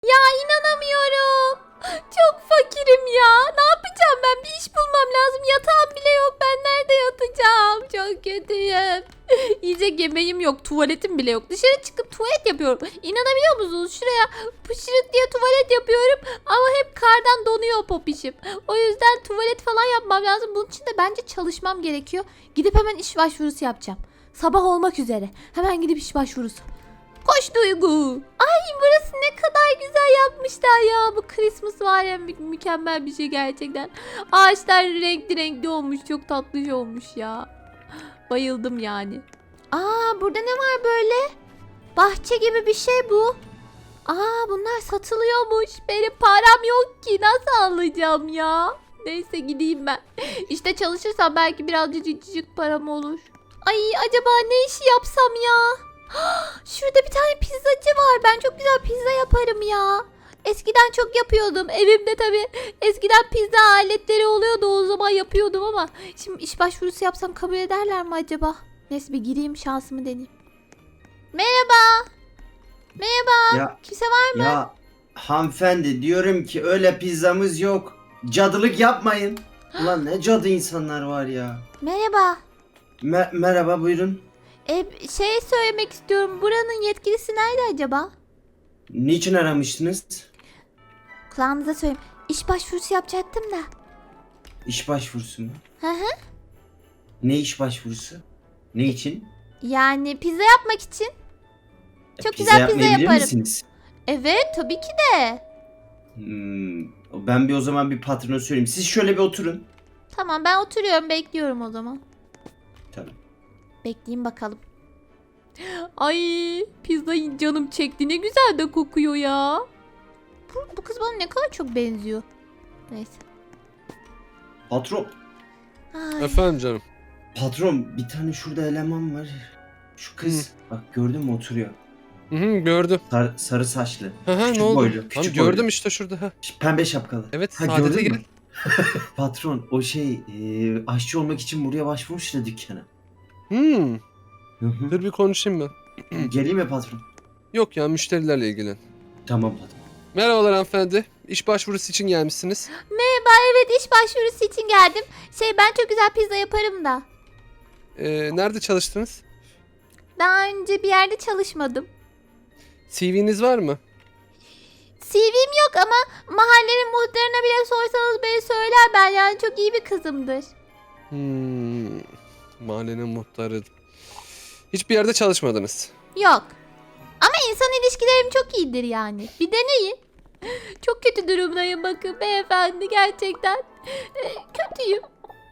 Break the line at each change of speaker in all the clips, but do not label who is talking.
Ya inanamıyorum. Çok fakirim ya. Ne yapacağım ben? Bir iş bulmam lazım. Yatağım bile yok. Ben nerede yatacağım? Çok kötüyüm. Yiyecek yemeğim yok. Tuvaletim bile yok. Dışarı çıkıp tuvalet yapıyorum. İnanabiliyor musunuz? Şuraya pışırık diye tuvalet yapıyorum. Ama hep kardan donuyor popişim. O yüzden tuvalet falan yapmam lazım. Bunun için de bence çalışmam gerekiyor. Gidip hemen iş başvurusu yapacağım. Sabah olmak üzere. Hemen gidip iş başvurusu. Koş Duygu. Ay burası ne kadar güzel yapmışlar ya. Bu Christmas var ya mükemmel bir şey gerçekten. Ağaçlar renkli renkli olmuş. Çok tatlış olmuş ya. Bayıldım yani. Aa burada ne var böyle? Bahçe gibi bir şey bu. Aa bunlar satılıyormuş. Benim param yok ki. Nasıl alacağım ya? Neyse gideyim ben. İşte çalışırsam belki birazcık param olur. Ay acaba ne işi yapsam ya? Şurada bir tane pizzacı var. Ben çok güzel pizza yaparım ya. Eskiden çok yapıyordum. Evimde tabii eskiden pizza aletleri oluyordu. O zaman yapıyordum ama şimdi iş başvurusu yapsam kabul ederler mi acaba? Neyse bir gireyim şansımı deneyeyim. Merhaba. Merhaba.
Ya
Kimse var mı?
ya hanımefendi diyorum ki öyle pizzamız yok. Cadılık yapmayın. Ulan ne cadı insanlar var ya.
Merhaba.
Merhaba buyurun.
Şey söylemek istiyorum. Buranın yetkilisi nerede acaba?
Niçin aramıştınız?
Kulağınıza söyleyeyim. İş başvurusu yapacaktım da.
İş başvurusu mu?
Hı hı.
Ne iş başvurusu? Ne için?
Yani pizza yapmak için. Çok
Pizza
güzel pizza
yapmayabilir
yaparım.
misiniz?
Evet tabii ki de.
Ben o zaman bir patrona söyleyeyim. Siz şöyle bir oturun.
Tamam ben oturuyorum bekliyorum o zaman.
Tamam.
Bekleyin bakalım. Ay pizza canım çekti ne güzel de kokuyor ya. Bu kız bana ne kadar çok benziyor. Neyse.
Patron.
Ay.
Efendim canım.
Patron bir tane şurada eleman var. Şu kız. Bak gördün mü oturuyor.
Hı hı, gördüm.
Sarı saçlı.
Hı hı,
Küçük
ne oldu?
boylu.
Tamam,
Küçük
gördüm
boylu.
işte şurada. Ha.
Pembe şapkalı.
Evet,
Ha,
Saadet'e
gördün
gel.
mü? Patron o aşçı olmak için buraya başvurmuş da dükkana.
Hmm,
Hı hı.
dur bir konuşayım ben.
Geleyim mi patron?
Yok ya, müşterilerle ilgilen.
Tamam patron.
Merhabalar hanımefendi. İş başvurusu için gelmişsiniz.
Merhaba evet iş başvurusu için geldim. Ben çok güzel pizza yaparım da.
Nerede çalıştınız?
Daha önce bir yerde çalışmadım.
CV'niz var mı?
CV'm yok ama mahallenin muhtarına bile sorsanız beni söyler ben yani çok iyi bir kızımdır.
Mahallenin muhtarı. Hiçbir yerde çalışmadınız.
Yok. Ama insan ilişkilerim çok iyidir yani. Bir deneyin. Çok kötü durumdayım bakın beyefendi gerçekten. Kötüyüm.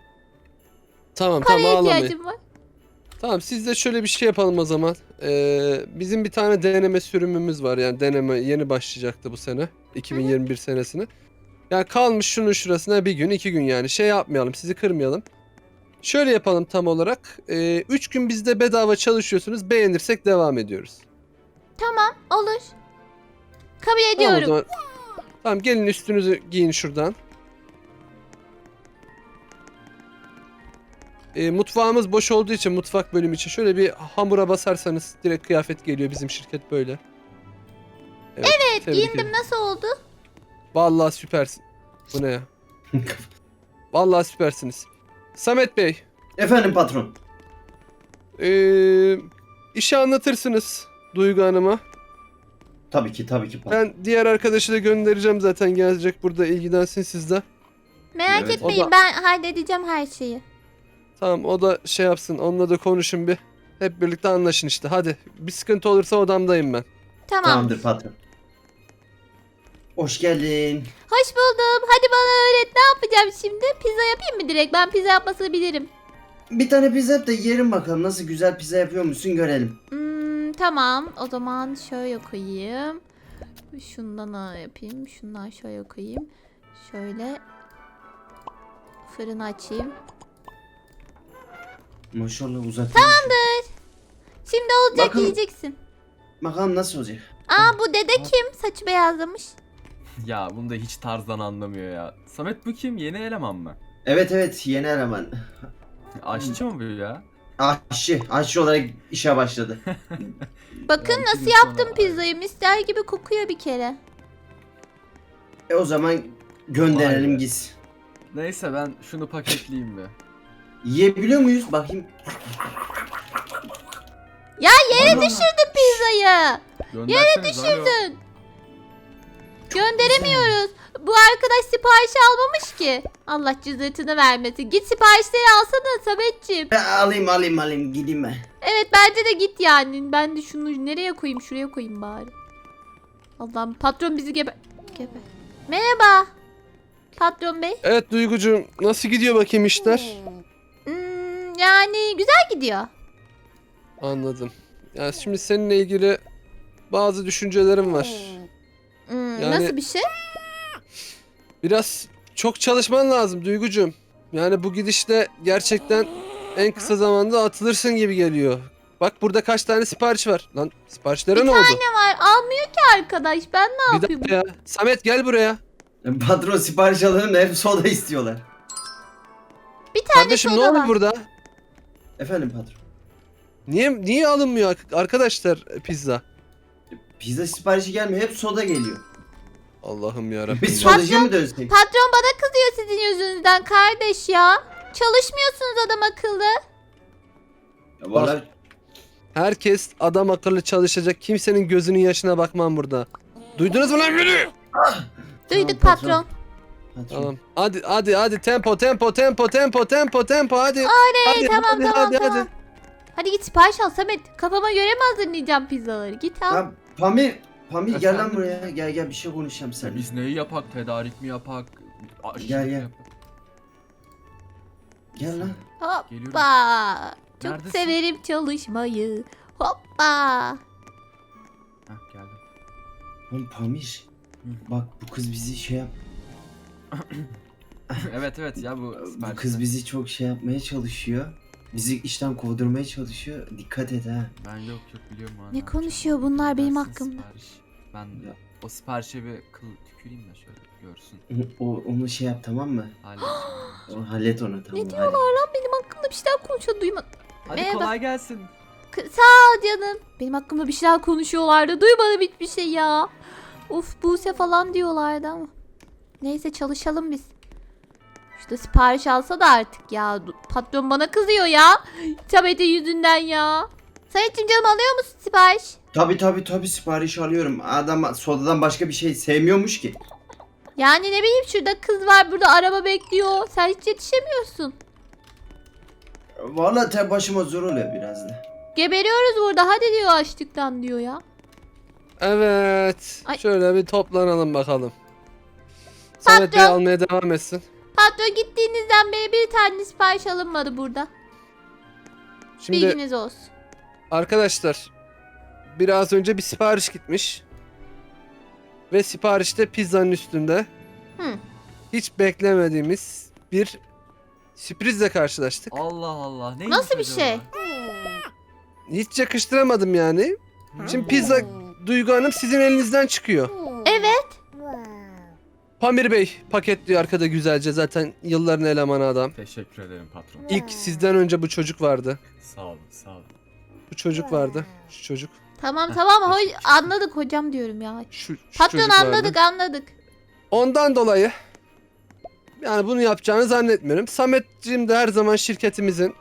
Tamam
Paraya
tamam, ağlamayın.
ihtiyacım var.
Tamam, siz de şöyle bir şey yapalım o zaman. Bizim bir tane deneme sürümümüz var, yani deneme yeni başlayacaktı bu sene. 2021 senesine. Yani kalmış şunun şurasına bir gün 2 gün, yani şey yapmayalım, sizi kırmayalım. Şöyle yapalım tam olarak. 3 gün bizde bedava çalışıyorsunuz, beğenirsek devam ediyoruz.
Tamam olur. Kabul
Tamam o
ediyorum.
zaman. Tamam, gelin üstünüzü giyin şuradan. Mutfağımız boş olduğu için, mutfak bölümü için şöyle bir hamura basarsanız direkt kıyafet geliyor, bizim şirket böyle. Evet, tebrik
Giyindim
ederim.
nasıl oldu?
Vallahi süpersin. Bu ne ya? Vallahi süpersiniz. Samet Bey,
Efendim patron.
işi anlatırsınız Duygu Hanım'a.
Tabii ki patron.
Ben diğer arkadaşı da göndereceğim, zaten gelecek burada, ilgilensin sizle.
Merak
Evet.
etmeyin
O da-
ben halledeceğim her şeyi.
Tamam, o da şey yapsın, onunla da konuşun bir. Hep birlikte anlaşın işte, hadi. Bir sıkıntı olursa odamdayım ben.
Tamam.
Tamamdır patron. Hoş geldin.
Hoş buldum. Hadi bana öğret ne yapacağım şimdi? Pizza yapayım mı direkt? Ben pizza yapmasını bilirim.
Bir tane pizza yap da yiyelim bakalım nasıl güzel pizza yapıyor musun görelim.
Tamam. O zaman şöyle koyayım. Şundan yapayım. Şundan şöyle koyayım. Şöyle fırını açayım.
Maşallah uzatıyor.
Şimdi olacak
Bakalım.
yiyeceksin.
Bakalım nasıl olacak.
Aa bu dede kim? Saçı beyazlamış.
Ya bunu da hiç tarzdan anlamıyor ya. Samet bu kim? Yeni eleman mı?
Evet yeni eleman.
Aşçı mı bu ya?
Aşçı olarak işe başladı.
Bakın
Yani
nasıl
iki gün
yaptım
sonra-
pizzayı. Mister gibi kokuyor bir kere.
O zaman gönderelim
Vay be.
gitsin.
Neyse ben şunu paketleyeyim bir.
Yiyebiliyor muyuz? Bakayım.
Ya yere
Ana.
düşürdün pizzayı.
Gönderseniz alo.
Düşürdün. Gönderemiyoruz. Bu arkadaş siparişi almamış ki. Allah cüzdanını vermesin. Git siparişleri alsana Sametciğim.
Alayım gideyim ben.
Evet bence de git yani. Ben de şunu nereye koyayım? Şuraya koyayım bari. Allah'ım patron bizi geber. Merhaba. Patron bey.
Evet Duygucuğum, nasıl gidiyor bakayım işler?
Yani güzel gidiyor.
Anladım. Yani şimdi seninle ilgili bazı düşüncelerim var. Yani-
Nasıl bir şey?
Biraz çok çalışman lazım Duygucuğum. Yani bu gidişle gerçekten en kısa zamanda atılırsın gibi geliyor. Bak burada kaç tane sipariş var. Lan siparişlere ne oldu?
Ne var? Almıyor ki arkadaş. Ben ne
Bir
yapayım?
dakika ya. Samet gel buraya.
Patron sipariş alalım da hep soda istiyorlar.
Bir tane
Kardeşim ne
soda
oldu
var.
burada?
Efendim patron.
Niye alınmıyor arkadaşlar pizza?
Pizza siparişi gelmiyor. Hep soda geliyor.
Allah'ım yarabbim.
Biz
ya.
sodacıya mı dönsek?
Patron bana kızıyor sizin yüzünüzden kardeş ya. Çalışmıyorsunuz adam akıllı.
Ya vallahi
Herkes adam akıllı çalışacak. Kimsenin gözünün yaşına bakmam burada. Duydunuz mu lan beni?
Duyduk
Tamam,
patron.
patron.
Tamam. Hadi tempo hadi. Hadi,
tamam.
hadi.
Hadi git sipariş al Samet. Kafama göre mi hazırlayacağım pizzaları? Git al.
Ya Pamir gel lan
Efendim?
buraya. Gel bir şey konuşacağım
Ya
seninle.
biz neyi yapak? Tedarik mi yapak?
Gel.
mi yapak?
Gel lan.
Geliyorum.
Hoppa. Çok
Neredesin?
severim çalışmayı. Hoppa.
Heh, geldim.
Oğlum Pamir. Bak bu kız bizi şey yap.
evet ya bu
Bu
siparişler.
kız bizi çok şey yapmaya çalışıyor. Bizi işten kovdurmaya çalışıyor. Dikkat et ha.
Ben yok biliyorum ha.
Ne
yapacağım.
konuşuyor bunlar benim
Versin
hakkımda?
sipariş. Ben
Ya.
o siparişe bir kıl tüküreyim de şöyle görsün.
Onu şey yap tamam mı?
Halledeceğim.
Hallet onu tamam.
Ne diyorlar lan benim hakkımda bir şeyler konuşuyor duymadım.
Hadi
Merhaba.
kolay gelsin.
Sağ ol canım. Benim hakkımda bir şeyler konuşuyorlardı. Duymadım hiçbir şey ya. Of Buse falan diyorlardı ama. Neyse çalışalım biz. İşte sipariş alsa da artık ya. Patron bana kızıyor ya. Samet'in yüzünden ya. Samet'cim canım alıyor musun sipariş?
Tabii sipariş alıyorum. Adam sodadan başka bir şey sevmiyormuş ki.
Yani ne bileyim şurada kız var burada araba bekliyor. Sen hiç yetişemiyorsun.
Vallahi tek başıma zor oluyor biraz da.
Geberiyoruz burada hadi diyor açlıktan diyor ya.
Evet.
Ay.
Şöyle bir toplanalım bakalım. Samet Bey
Patron.
almaya devam etsin.
Patron gittiğinizden beri bir tane sipariş alınmadı burada.
Şimdi
Bilginiz olsun.
arkadaşlar biraz önce bir sipariş gitmiş. Ve siparişte pizzanın üstünde
Hı.
hiç beklemediğimiz bir sürprizle karşılaştık.
Allah Allah. Neymiş
Nasıl bir
acaba?
şey?
Hiç yakıştıramadım yani. Şimdi pizza Duygu Hanım sizin elinizden çıkıyor.
Evet.
Pamir Bey paketliyor arkada güzelce, zaten yılların elemanı adam.
Teşekkür ederim patron.
İlk sizden önce bu çocuk vardı.
Sağ olun sağ olun.
Bu çocuk vardı. Şu çocuk.
Tamam
teşekkür
anladık hocam diyorum ya.
Şu
Patron
çocuk vardı.
anladık.
Ondan dolayı yani bunu yapacağını zannetmiyorum. Sametciğim de her zaman şirketimizin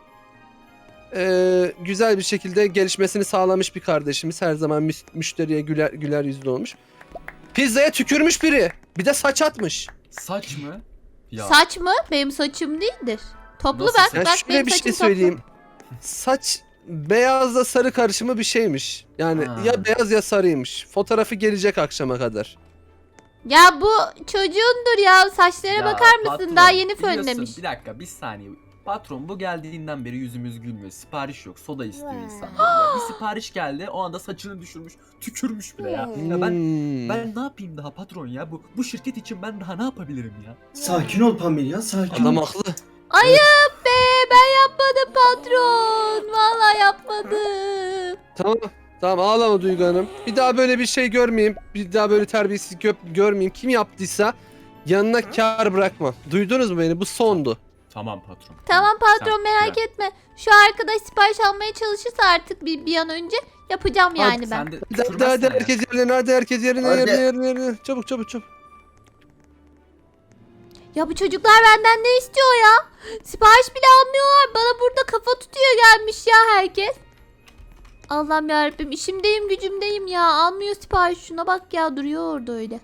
güzel bir şekilde gelişmesini sağlamış bir kardeşimiz. Her zaman müşteriye güler yüzlü olmuş. Pizzaya tükürmüş biri. Bir de saç atmış.
Saç mı? Ya.
Saç mı? Benim saçım değildir. Toplu
Nasıl
bak
saç?
Ya
bak
şöyle
benim
bir
saçım
şey
toplu.
söyleyeyim. Saç beyazla sarı karışımı bir şeymiş. Yani
Ha.
ya beyaz ya sarıymış. Fotoğrafı gelecek akşama kadar.
Ya bu çocuğundur ya saçlara
Ya
bakar mısın?
patron,
Daha yeni
biliyorsun,
fönlemiş.
Bir dakika bir saniye. Patron bu geldiğinden beri yüzümüz gülmüyor. Sipariş yok. Soda istiyor insanlar. Ya. Bir sipariş geldi. O anda saçını düşürmüş. Tükürmüş bile ya. Ya ben ne yapayım daha patron ya? Bu şirket için ben daha ne yapabilirim ya?
Sakin ol Pamir ya sakin
Adam
ol.
haklı.
Ayıp be ben yapmadım patron. Vallahi yapmadım.
Tamam ağlama Duygu Hanım. Bir daha böyle bir şey görmeyeyim. Bir daha böyle terbiyesizlik görmeyeyim. Kim yaptıysa yanına kar bırakmam. Duydunuz mu beni? Bu sondu.
Tamam patron.
Tamam patron
Sen-
merak
güzel.
etme. Şu arkadaş sipariş almaya çalışırsa artık bir an önce yapacağım yani ben.
Sen de
Hadi
tükürmezsen ya.
herkes yerine, hadi herkes yerine,
Hadi.
yerine. Çabuk.
Ya bu çocuklar benden ne istiyor ya? Sipariş bile almıyorlar. Bana burada kafa tutuyor gelmiş ya herkes. Allah'ım yarabbim, işimdeyim gücümdeyim ya. Almıyor sipariş, şuna bak ya, duruyor orada öyle.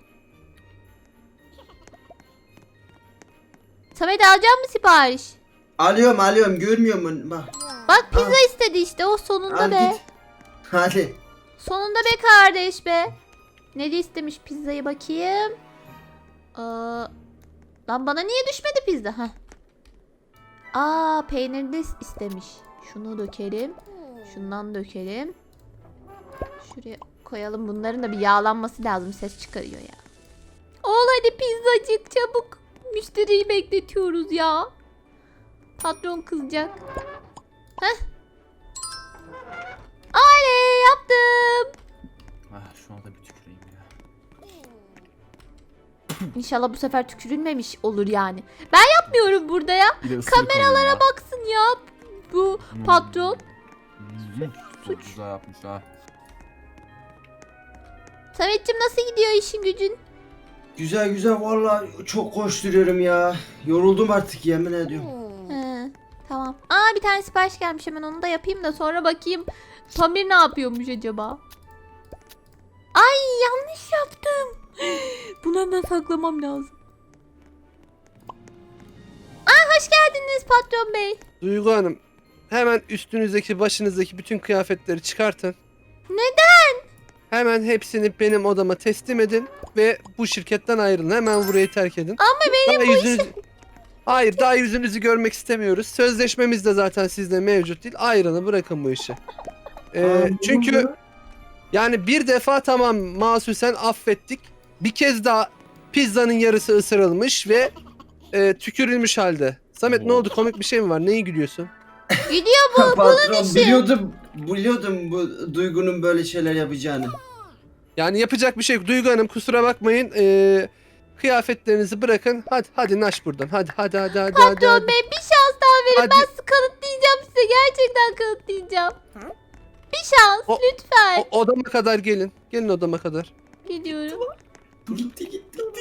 Samet, alacak mısın sipariş?
Alıyorum görmüyor musun? Bak.
Bak pizza istedi işte, o sonunda
Al
be.
git. Hadi.
Sonunda be kardeş be. Ne de istemiş pizzayı bakayım. Lan bana niye düşmedi pizza? Heh. Peynirli istemiş. Şunu dökelim. Şundan dökelim. Şuraya koyalım. Bunların da bir yağlanması lazım. Ses çıkarıyor ya. Ol hadi pizzacık çabuk. Müşteriyi bekletiyoruz ya. Patron kızacak. Heh. Oley, yaptım.
Şu anda bir tüküreyim ya.
İnşallah bu sefer tükürülmemiş olur yani. Ben yapmıyorum burada ya.
Bir de ısırık
Kameralara
alayım ya.
baksın ya bu patron.
Çok güzel yapmış ha.
Samet'cim nasıl gidiyor işin gücün?
Güzel vallahi çok koşturuyorum ya. Yoruldum artık yemin ediyorum.
He, tamam. Bir tane sipariş gelmiş, hemen onu da yapayım da sonra bakayım Pamir ne yapıyormuş acaba? Ay, yanlış yaptım. Bunu hemen saklamam lazım. Hoş geldiniz patron bey.
Duygu Hanım, hemen üstünüzdeki başınızdaki bütün kıyafetleri çıkartın.
Neden?
Hemen hepsini benim odama teslim edin ve bu şirketten ayrılın. Hemen burayı terk edin.
Ama benim
Daha yüzünüzü... Hayır, daha yüzünüzü görmek istemiyoruz. Sözleşmemiz de zaten sizde mevcut değil. Ayrılın, bırakın bu işi. Çünkü yani bir defa tamam masusen affettik. Bir kez daha pizzanın yarısı ısırılmış ve tükürülmüş halde. Samet ne oldu? Komik bir şey mi var? Neyi gülüyorsun?
gidiyor bu.
Patron
işi.
biliyordum bu Duygu'nun böyle şeyler yapacağını.
Yani yapacak bir şey yok. Duygu Hanım kusura bakmayın. Kıyafetlerinizi bırakın. Hadi naş buradan. Hadi.
Patron bey, bir şans daha verin.
Hadi.
Ben kanıtlayacağım size. Gerçekten kanıtlayacağım. Bir şans
O-
lütfen.
Odama kadar gelin. Gelin odama kadar.
Gidiyorum.
Gitti.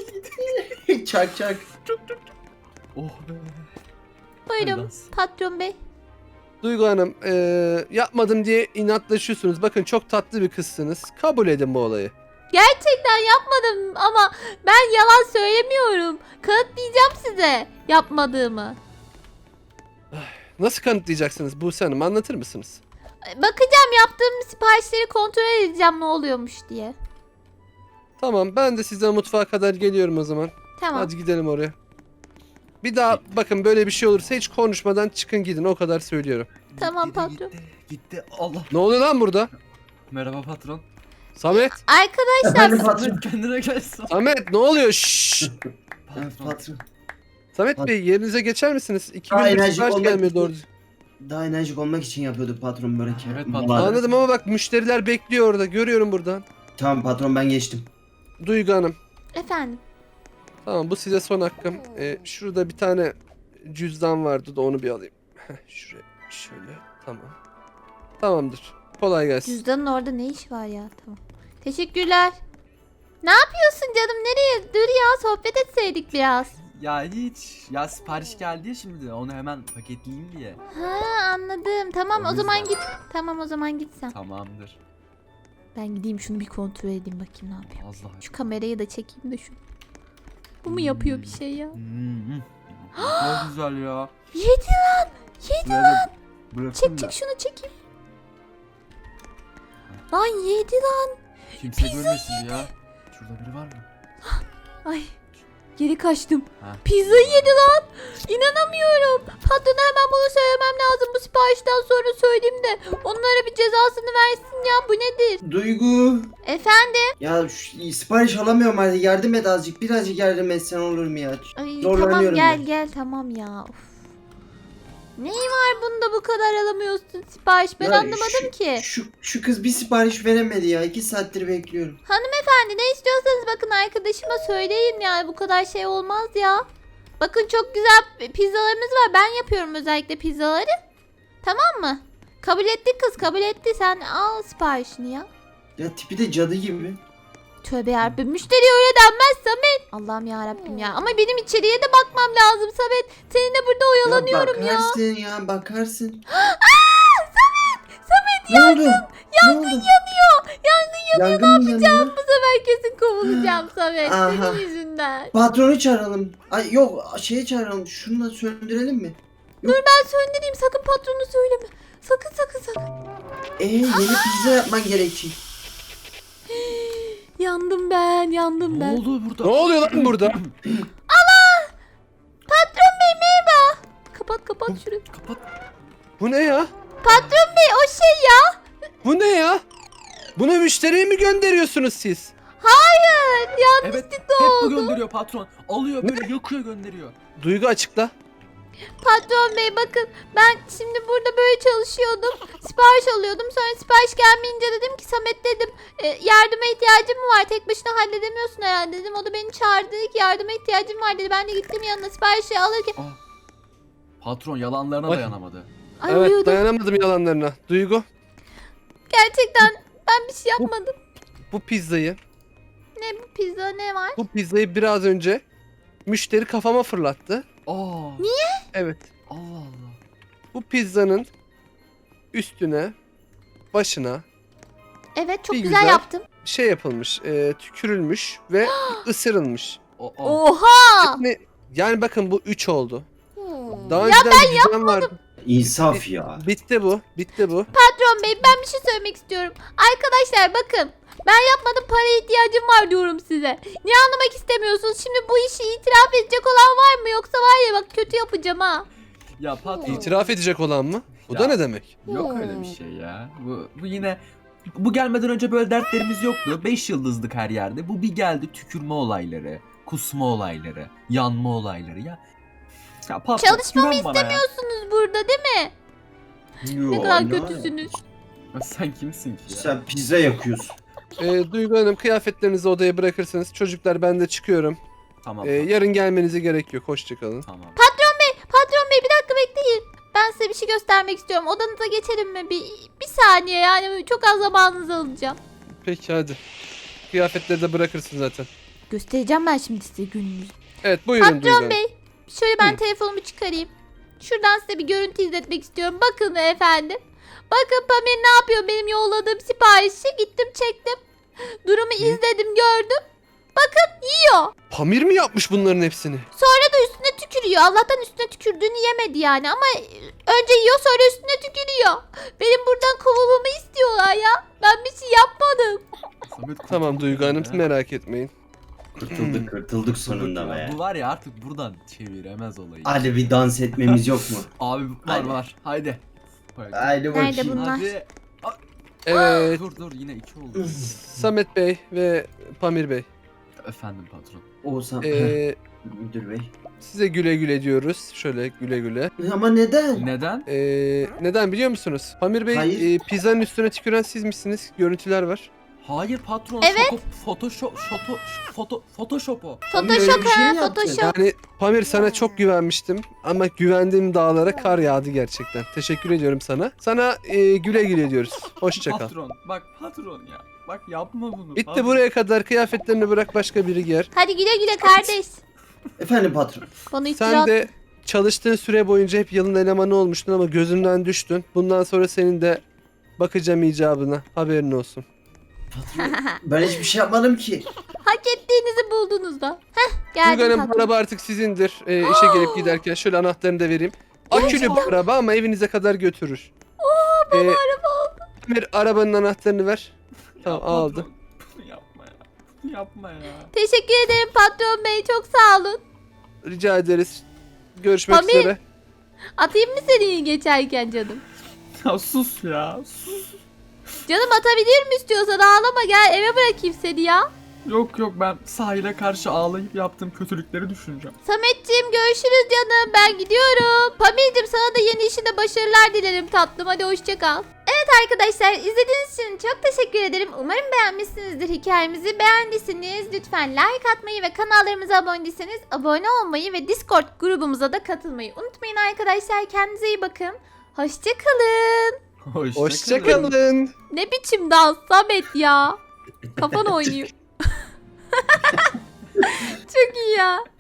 Çak.
Oh be.
Buyurun
Haydas.
patron bey.
Duygu Hanım yapmadım diye inatlaşıyorsunuz. Bakın çok tatlı bir kızsınız. Kabul edin bu olayı.
Gerçekten yapmadım ama ben yalan söylemiyorum. Kanıtlayacağım size yapmadığımı.
Nasıl kanıtlayacaksınız Buse Hanım? Anlatır mısınız?
Bakacağım, yaptığım siparişleri kontrol edeceğim ne oluyormuş diye.
Tamam, ben de size mutfağa kadar geliyorum o zaman.
Tamam.
Hadi gidelim oraya. Bir daha bakın böyle bir şey olursa hiç konuşmadan çıkın gidin, o kadar söylüyorum.
Tamam
Gitti de
patron.
Gitti. Allah.
Ne oluyor lan burada?
Merhaba patron.
Samet!
Arkadaşlar
Efendim patron.
Kendine gelsin.
Samet ne oluyor? Şşş!
Patron.
Samet Bey yerinize geçer misiniz? 2
Daha
gündür
enerjik
sipariş
olmak
gelmiyor
için-
doğru.
Daha enerjik olmak için yapıyorduk patron börek.
Evet, patron.
Vallahi.
Anladım ama bak müşteriler bekliyor orada. Görüyorum buradan.
Tamam patron ben geçtim.
Duygu Hanım.
efendim.
Tamam bu size son hakkım. Şurada bir tane cüzdan vardı da onu bir alayım. Şuraya şöyle. Tamam. Tamamdır. Kolay gelsin.
Cüzdanın orada ne iş var ya? Tamam. Teşekkürler. Ne yapıyorsun canım? Nereye? Dur ya, sohbet etseydik biraz.
Ya hiç. Ya sipariş geldi ya şimdi. Onu hemen paketleyeyim diye.
Anladım. Tamam
O
o zaman
yüzden.
git. Tamam o zaman git sen.
Tamamdır.
Ben gideyim şunu bir kontrol edeyim bakayım ne yapıyor.
Allah.
Şu kamerayı da çekeyim de şunu. Bu mu yapıyor bir şey ya?
Çok güzel ya.
Yedi lan. Yedi.
Bırakın
Çek
da
şunu çekeyim. Lan yedi lan.
kimse görmesin ya. Şurada biri var mı?
Ay. Geri kaçtım.
Ha.
Pizzayı yedi lan. İnanamıyorum. Patrona hemen bunu söylemem lazım. Bu siparişten sonra söyleyeyim de onlara bir cezasını versin ya. Bu nedir?
Duygu.
Efendim?
Ya sipariş alamıyorum hadi yardım et azıcık. Birazcık yardım etsen olur mu ya?
Ay, tamam
Zorlanıyorum
gel
ben.
gel tamam ya. Of. Neyi var bunda bu kadar alamıyorsun sipariş? Ben
Ya
anlamadım ki.
Şu kız bir sipariş veremedi ya. 2 saattir bekliyorum.
Hanımefendi ne istiyorsanız bakın arkadaşıma söyleyin ya. Bu kadar şey olmaz ya. Bakın çok güzel pizzalarımız var. Ben yapıyorum özellikle pizzaları. Tamam mı? Kabul etti kız, kabul etti. Sen al siparişini ya.
Ya tipi de cadı gibi.
Tövbe yarabbim. Müşteri öyle denmez Samet. Allah'ım yarabbim ya. Ama benim içeriye de bakmam lazım Samet. Seninle burada oyalanıyorum ya.
Bakarsın ya bakarsın.
Samet
Ne oldu?
yangın yanıyor. Yangın yanıyor.
Yangın mı yanıyor?
Bu sefer kesin kovulacağım Samet.
Aha.
Senin yüzünden.
Patronu çağıralım. Ay yok şeyi çağıralım. Şunu da söndürelim mi?
Ben söndüreyim. Sakın patronu söyleme. Sakın.
Yeni pizza yapman gerekecek.
Yandım ben.
Ne oldu burada?
Ne oluyor lan burada?
Patron bey merhaba. Kapat şurayı.
Kapat.
Bu ne ya?
Patron bey o şey ya.
Bu ne ya? Bunu müşteriye mi gönderiyorsunuz siz?
Hayır. Yanlışlıkla
Evet, hep bu
oldu.
gönderiyor patron. Alıyor böyle yakıyor gönderiyor.
Duygu açıkla.
Patron bey bakın ben şimdi burada böyle çalışıyordum. Sipariş alıyordum. Sonra sipariş gelmeyince dedim ki Samet dedim yardıma ihtiyacım mı var? Tek başına halledemiyorsun herhalde dedim. O da beni çağırdı dedi ki yardıma ihtiyacım var dedi. Ben de gittim yanına siparişi alırken.
Patron yalanlarına
Ay.
dayanamadı.
Ay
Evet
uyudum.
dayanamadım yalanlarına. Duygu
Gerçekten ben bir şey yapmadım.
bu pizzayı
Bu pizza ne var?
biraz önce müşteri kafama fırlattı.
Niye?
Evet.
Allah Allah.
Bu pizzanın üstüne başına
Evet çok
Bir
güzel
güzel.
yaptım.
şey yapılmış, tükürülmüş ve ısırılmış.
Oha!
Yani bakın bu 3 oldu.
Hmm.
Daha önceden bir düzen vardı.
İnsaf ya.
Bitti bu.
Patron bey ben bir şey söylemek istiyorum. Arkadaşlar bakın ben yapmadım paraya ihtiyacım var diyorum size. Niye anlamak istemiyorsunuz? Şimdi bu işi itiraf edecek olan var mı? Yoksa var ya bak kötü yapacağım ha.
Ya patron.
İtiraf edecek olan mı? Bu
Ya.
da ne demek?
Yok öyle bir şey ya. Bu yine bu gelmeden önce böyle dertlerimiz yoktu. 5 yıldızlık her yerde. Bu bir geldi tükürme olayları, kusma olayları, yanma olayları ya. Ya patron,
Çalışmamı
güven bana ya.
istemiyorsunuz burada değil mi? Ne
Yo,
kadar
ne
kötüsünüz.
Ya sen kimsin ki ya?
Sen pizza yakıyorsun.
Duygu Hanım kıyafetlerinizi odaya bırakırsınız. Çocuklar ben de çıkıyorum.
Tamam.
Yarın gelmenize gerek yok. Hoşçakalın.
Tamam.
Patron bey bir dakika bekleyin. Ben size bir şey göstermek istiyorum. Odanıza geçelim mi? Bir saniye yani çok az zamanınızı alacağım.
Peki hadi. Kıyafetleri de bırakırsın zaten.
Göstereceğim ben şimdi size gününüzü.
Evet buyurun Duygu
Patron
Hanım.
bey şöyle ben
Hı.
telefonumu çıkarayım. Şuradan size bir görüntü izletmek istiyorum. Bakın efendim. Bakın Pamir ne yapıyor benim yolladığım siparişi. Gittim çektim. Durumu izledim gördüm. Bakın yiyor.
Pamir mi yapmış bunların hepsini?
Sonra da üstüne tükürüyor. Allah'tan üstüne tükürdüğünü yemedi yani ama önce yiyor sonra üstüne tükürüyor. Benim buradan kovulmamı istiyorlar ya. Ben bir şey yapmadım.
Samet kurtulduk
Tamam Duygu Hanım
ya.
merak etmeyin.
Kurtulduk sonunda
Ya,
be.
Bu var ya artık buradan çeviremez olayı.
Hadi bir dans etmemiz yok mu?
Abi
Hadi.
var. Haydi.
Haydi bakayım.
Nerede bunlar?
Hadi.
Evet
Dur yine 2 oldu.
Samet Bey ve Pamir Bey.
Efendim patron.
Oğuzhan.
Ee,
Müdür bey.
size güle güle diyoruz. Şöyle güle güle.
Ama neden?
Neden?
Neden biliyor musunuz? Pamir Bey
Hayır.
pizzanın üstüne tüküren siz misiniz? Görüntüler var.
Hayır patron.
Evet.
Photoshop Photoshop o.
Pamir öyle
Photoshop
bir şey
ha
mi yaptı?
Photoshop.
Yani Pamir sana çok güvenmiştim ama güvendiğim dağlara kar yağdı gerçekten. Teşekkür ediyorum sana. Sana güle güle diyoruz. Hoşça kal.
Patron. Bak patron ya. Bak yapma bunu.
Bitti
patron.
buraya kadar kıyafetlerini bırak başka biri giyer.
Hadi güle güle kardeş.
Efendim patron.
Bana iftira
Sen de çalıştığın süre boyunca hep yılın elemanı olmuştun ama gözümden düştün. Bundan sonra senin de bakacağım icabına. Haberin olsun.
Patron. Ben hiçbir şey yapmadım ki.
hak ettiğinizi buldunuz da. Heh
Duygu
geldim
Hanım
patron.
araba artık sizindir. İşe gelip giderken şöyle anahtarını da vereyim. Akülü bir araba ama evinize kadar götürür. Bana araba oldu. Pamir arabanın anahtarını ver.
Ya
Tamam
patron,
aldı.
Bunu yapma ya. Bunu yapma ya.
Teşekkür ederim patron bey çok sağ olun.
Rica ederiz. Görüşmek
Pamir.
üzere.
Atayım mı seni geçerken canım?
Ya sus ya. Sus.
Canım atabilir mi istiyorsan ağlama gel eve bırakayım seni ya.
Yok ben sahile karşı ağlayıp yaptığım kötülükleri düşüneceğim.
Sametciğim görüşürüz canım ben gidiyorum. Pamir'cim sana da yeni işinde başarılar dilerim tatlım hadi hoşça kal. Evet arkadaşlar izlediğiniz için çok teşekkür ederim. Umarım beğenmişsinizdir hikayemizi. Beğendiyseniz lütfen like atmayı ve kanallarımıza abone değilseniz abone olmayı ve Discord grubumuza da katılmayı unutmayın arkadaşlar. Kendinize iyi bakın. Hoşça kalın.
Hoşçakalın.
Ne biçim dans Samet ya. Kafan oynuyor. Çok çok iyi ya.